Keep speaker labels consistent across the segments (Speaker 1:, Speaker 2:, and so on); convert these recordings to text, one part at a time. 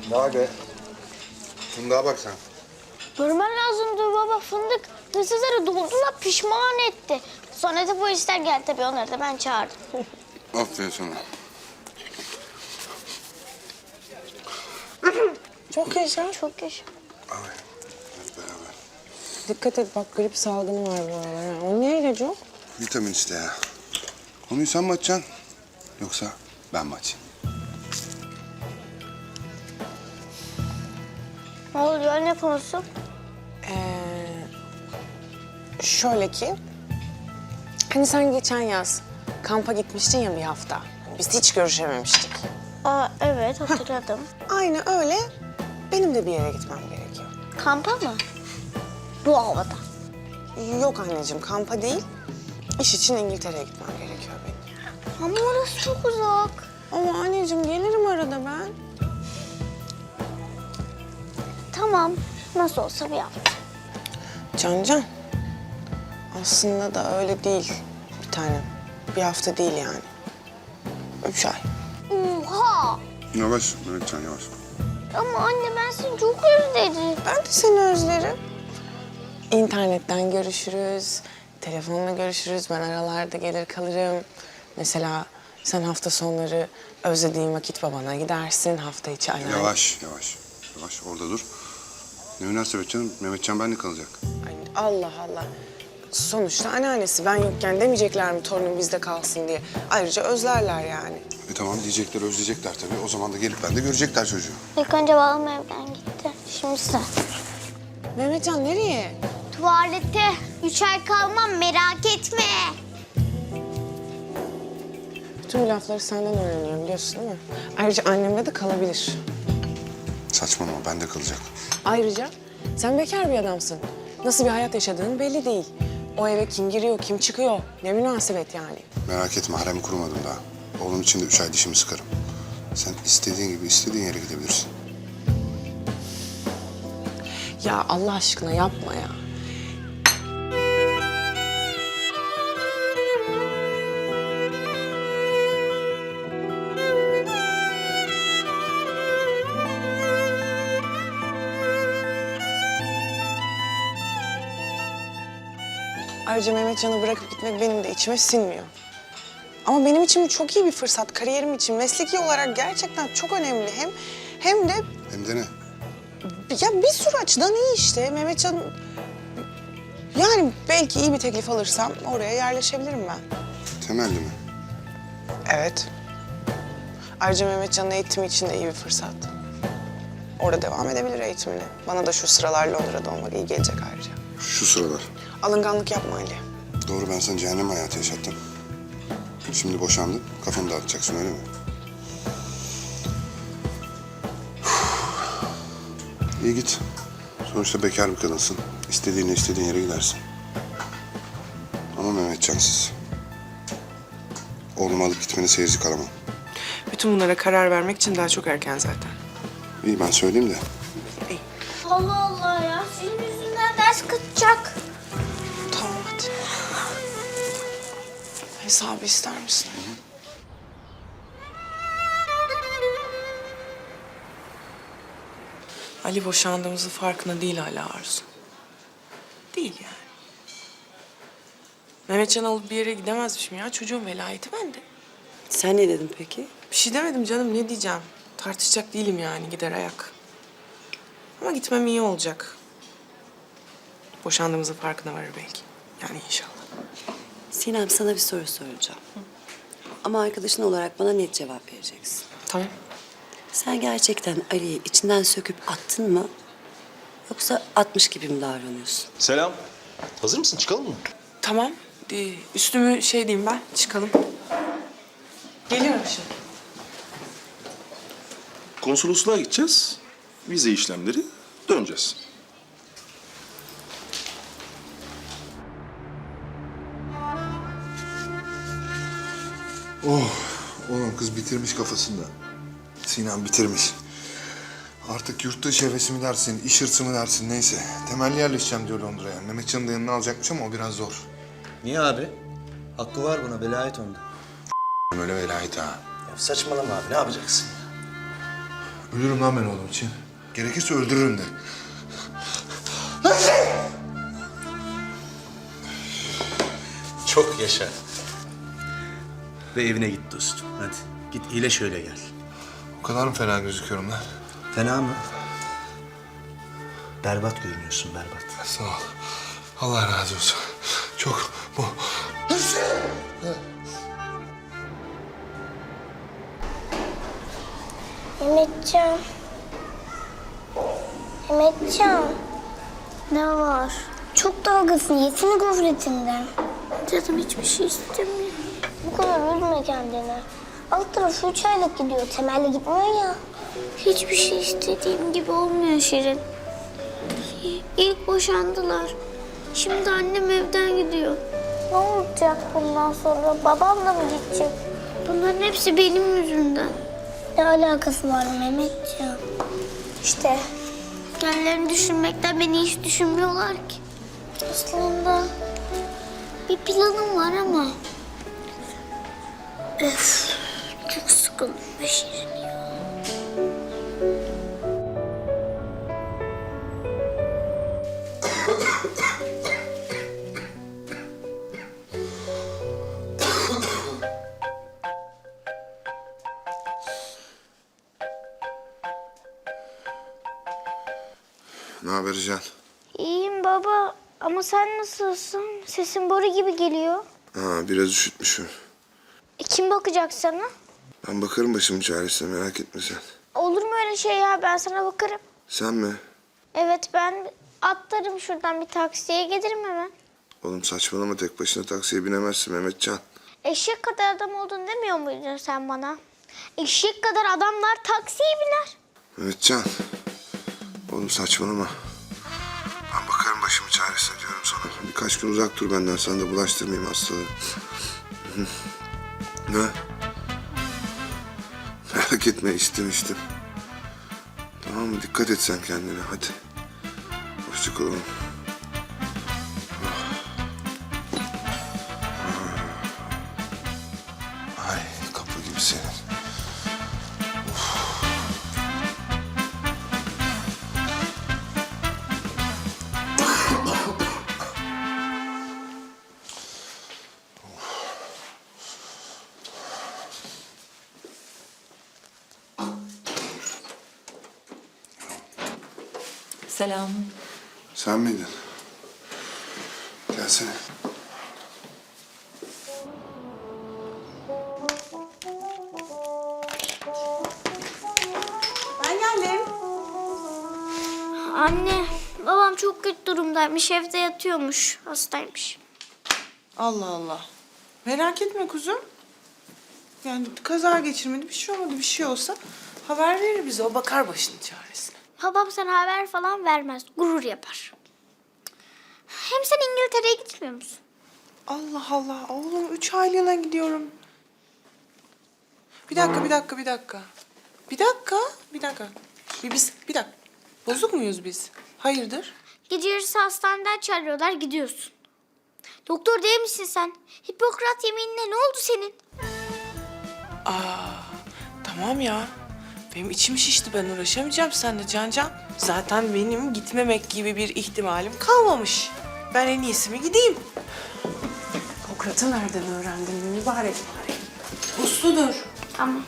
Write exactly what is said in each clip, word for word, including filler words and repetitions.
Speaker 1: Vay be. Fındığa bak sen.
Speaker 2: Görmen lazımdı baba, fındık hırsızları doldular, pişman etti. Sonra da polisler geldi tabii, onları da ben çağırdım.
Speaker 1: Aferin sana.
Speaker 3: Çok yaşa.
Speaker 2: Çok yaşa.
Speaker 1: Ay, hep beraber.
Speaker 3: Dikkat et bak, grip salgını var bu aralar. ha. O niye ilacı yok?
Speaker 1: Vitamin iste ya. Konuyu sen mi açacaksın? Yoksa ben mi açayım?
Speaker 2: Ne oluyor, ne konusu?
Speaker 3: Ee, şöyle ki... Hani sen geçen yaz kampa gitmiştin ya bir hafta. Biz hiç görüşememiştik.
Speaker 2: Aa evet, hatırladım.
Speaker 3: Aynı öyle benim de bir yere gitmem gerekiyor.
Speaker 2: Kampa mı? Bu havada.
Speaker 3: Yok anneciğim, kampa değil. İş için İngiltere'ye gitmem gerekiyor benim.
Speaker 2: Ama orası çok uzak.
Speaker 3: Ama anneciğim gelirim arada ben.
Speaker 2: Tamam, nasıl olsa bir hafta.
Speaker 3: Can Can. Aslında da öyle değil bir tanem. Bir hafta değil yani. Üç ay.
Speaker 2: Oha!
Speaker 1: Yavaş Mehmetcan, yavaş.
Speaker 2: Ama anne, ben seni çok özledim.
Speaker 3: Ben de seni özlerim. İnternetten görüşürüz, telefonla görüşürüz. Ben aralarda gelir kalırım. Mesela sen hafta sonları özlediğin vakit babana gidersin. Hafta içi anneanne.
Speaker 1: Yavaş, yavaş. Yavaş, orada dur. Ne münasebet canım, Mehmetcan benimle kalacak.
Speaker 3: Ay, Allah Allah. Sonuçta anneannesi, ben yokken demeyecekler mi torunum bizde kalsın diye. Ayrıca özlerler yani.
Speaker 1: E tamam, diyecekler, özleyecekler tabii. O zaman da gelip ben de görecekler çocuğu.
Speaker 2: İlk önce babam evden gitti. Şimdi sen.
Speaker 3: Mehmetcan nereye?
Speaker 2: Tuvalete. Üç ay kalmam, merak etme.
Speaker 3: Bütün bu lafları senden öğreniyorum biliyorsun değil mi? Ayrıca annemle de kalabilir.
Speaker 1: Saçmalama, bende kalacak.
Speaker 3: Ayrıca sen bekar bir adamsın. Nasıl bir hayat yaşadığın belli değil. O eve kim giriyor, kim çıkıyor? Ne münasebet yani.
Speaker 1: Merak etme, harem kurmadım daha. Oğlum için de üç ay dişimi sıkarım. Sen istediğin gibi istediğin yere gidebilirsin.
Speaker 3: Ya Allah aşkına yapma ya. Ayrıca Mehmetcan'ı bırakıp gitmek benim de içime sinmiyor. Ama benim için bu çok iyi bir fırsat. Kariyerim için, mesleki olarak gerçekten çok önemli. Hem hem de
Speaker 1: Hem de ne?
Speaker 3: ya bir sürü açıdan iyi işte. Mehmetcan... Yani belki iyi bir teklif alırsam oraya yerleşebilirim ben.
Speaker 1: Temelli mi?
Speaker 3: Evet. Ayrıca Mehmetcan'ın eğitimi için de iyi bir fırsat. Orada devam edebilir eğitimine. Bana da şu sıralar Londra'da olmak iyi gelecek ayrıca.
Speaker 1: Şu sıralar.
Speaker 3: Alınganlık yapma Ali.
Speaker 1: Doğru, ben sana cehennem hayatı yaşattım. Şimdi boşandın, kafanı dağıtacaksın öyle mi? İyi git. Sonuçta bekar bir kadınsın. İstediğinle istediğin yere gidersin. Ama Mehmetcansız. Oğlumu alıp gitmeni seyirci kalamam.
Speaker 3: Bütün bunlara karar vermek için daha çok erken zaten.
Speaker 1: İyi, ben söyleyeyim de.
Speaker 2: Allah Allah ya, senin yüzünden ders kaçacak.
Speaker 3: Tamam hadi. Hesabı ister misin? Ali boşandığımızın farkında değil hala Arzu. Değil yani. Mehmetcan'ı alıp bir yere gidemezmişim ya. Çocuğun velayeti bende.
Speaker 4: Sen ne dedin peki?
Speaker 3: Bir şey demedim canım, ne diyeceğim? Tartışacak değilim yani, gider ayak. Ama gitmem iyi olacak. Boşandığımızın farkına varır belki. Yani inşallah.
Speaker 4: Sinem, sana bir soru soracağım. Ama arkadaşın olarak bana net cevap vereceksin.
Speaker 3: Tamam.
Speaker 4: Sen gerçekten Ali'yi içinden söküp attın mı? Yoksa atmış gibi mi davranıyorsun?
Speaker 5: Selam. Hazır mısın? Çıkalım mı?
Speaker 3: Tamam. Ee, üstümü şey diyeyim ben, çıkalım. Geliyorum şimdi.
Speaker 5: Konsolosluğa gideceğiz. Vize işlemleri. Döneceğiz.
Speaker 1: Oh, oğlum kız bitirmiş kafasında. Sinan bitirmiş. Artık yurt dışı hevesi mi dersin, iş hırsı mı dersin neyse. Temelli yerleşeceğim diyor Londra'ya. Mehmetcan'ı da yanına alacakmış ama o biraz zor.
Speaker 6: Niye abi? Hakkı var buna, velayet onda.
Speaker 1: Öyle velayet ha.
Speaker 6: Ya saçmalama abi, ne yapacaksın ya?
Speaker 1: Ölürüm lan ben oğlum için. Gerekirse öldürürüm de.
Speaker 6: Çok yaşa. Ve evine git dostum. Hadi git iyileş öyle gel.
Speaker 1: O kadar mı fena gözüküyorum lan?
Speaker 6: Fena mı? Berbat görünüyorsun berbat.
Speaker 1: Sağ ol. Allah razı olsun. Çok bu.
Speaker 2: Mehmetcan. Mehmetcan. Ne var? Çok dalgasın. Yesene gofretinden. Canım hiçbir şey istemiyor. Bu kadar üzme kendini. Alt tarafı üç aylık gidiyor. Temelli gitmiyor ya. Hiçbir şey istediğim gibi olmuyor Şirin. İlk boşandılar. Şimdi annem evden gidiyor. Ne olacak bundan sonra? Babam da mı gidecek? Bunların hepsi benim yüzümden. Ne alakası var Mehmetciğim? İşte kendilerini düşünmekten beni hiç düşünmüyorlar ki. Aslında bir planım var ama... Öf, çok sıkıldım be Şirin ya.
Speaker 1: Ne haber Can?
Speaker 2: İyiyim baba ama sen nasılsın? Sesin boru gibi geliyor.
Speaker 1: Ha, biraz üşütmüşüm.
Speaker 2: E, kim bakacak sana?
Speaker 1: Ben bakarım başımın çaresine, merak etme sen.
Speaker 2: Olur mu öyle şey ya? Ben sana bakarım.
Speaker 1: Sen mi?
Speaker 2: Evet ben atlarım şuradan bir taksiye gelirim hemen.
Speaker 1: Oğlum saçmalama, tek başına taksiye binemezsin Mehmetcan.
Speaker 2: Eşek kadar adam oldun demiyor muydun sen bana? Eşek kadar adamlar taksiye biner.
Speaker 1: Mehmetcan. Oğlum saçmalama. Ben bakarım başımın çaresine diyorum sana. Birkaç gün uzak dur benden, sana da bulaştırmayayım hastalığı. Ne? Merak etme, içtim içtim. Tamam mı? Dikkat et sen kendine, hadi. Hoşça kal oğlum. Ay, kapı gibi senin.
Speaker 4: Selam.
Speaker 1: Sen miydin? Gelsene.
Speaker 3: Ben geldim.
Speaker 2: Anne babam çok kötü durumdaymış. Evde yatıyormuş. Hastaymış.
Speaker 3: Allah Allah. Merak etme kuzum. Yani kaza geçirmedi, bir şey olmadı. Bir şey olsa haber verir bize. O bakar başının çaresine.
Speaker 2: Babam sana haber falan vermez. Gurur yapar. Hem sen İngiltere'ye gitmiyor musun?
Speaker 3: Allah Allah. Oğlum üç aylığına gidiyorum. Bir dakika, bir dakika, bir dakika. Bir dakika, bir dakika. Bir, biz, bir dakika. Bozuk muyuz biz? Hayırdır?
Speaker 2: Gece yarısı hastaneden çağırıyorlar gidiyorsun. Doktor değil misin sen? Hipokrat yeminine ne oldu senin?
Speaker 3: Aa, tamam ya. Benim içim şişti. Ben uğraşamayacağım seninle Can Can. Zaten benim gitmemek gibi bir ihtimalim kalmamış. Ben en iyisi mi gideyim? Hipokrat'ı nereden öğrendin mübarek? Usludur.
Speaker 2: Tamam.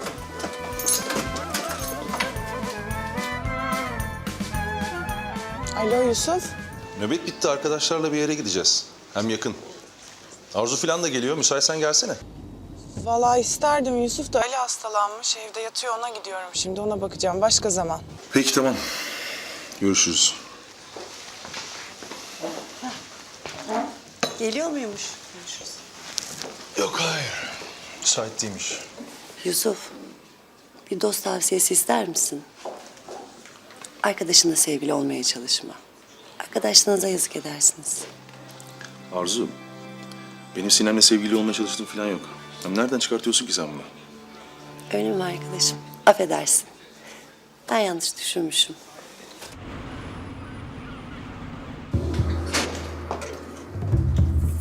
Speaker 3: Alo Yusuf.
Speaker 5: Nöbet bitti, arkadaşlarla bir yere gideceğiz. Hem yakın. Arzu falan da geliyor, müsaitsen gelsene.
Speaker 3: Vallahi isterdim. Yusuf da Ali hastalanmış. Evde yatıyor, ona gidiyorum. Şimdi ona bakacağım. Başka zaman.
Speaker 5: Peki tamam. Görüşürüz.
Speaker 3: Geliyor muymuş? Görüşürüz.
Speaker 5: Yok hayır. Müsait değilmiş.
Speaker 4: Yusuf, bir dost tavsiyesi ister misin? Arkadaşınla sevgili olmaya çalışma. Arkadaşlarınıza yazık edersiniz.
Speaker 5: Arzu, benim Sinem'le sevgili olmaya çalıştığım falan yok. Hem nereden çıkartıyorsun ki sen bunu?
Speaker 4: Öyle mi arkadaşım? Affedersin. Ben yanlış düşünmüşüm.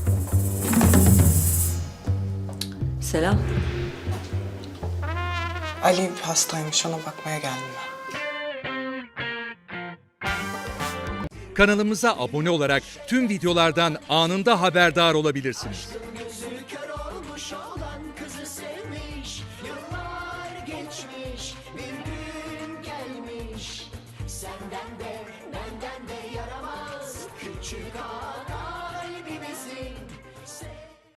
Speaker 4: Selam.
Speaker 3: Ali hastaymış, ona bakmaya geldim ben.
Speaker 7: Kanalımıza abone olarak tüm videolardan anında haberdar olabilirsiniz.
Speaker 8: Gözü kör olmuş olan kızı sevmiş. Yıllar geçmiş, bir gün gelmiş. Senden de benden de yaramaz küçük ağa.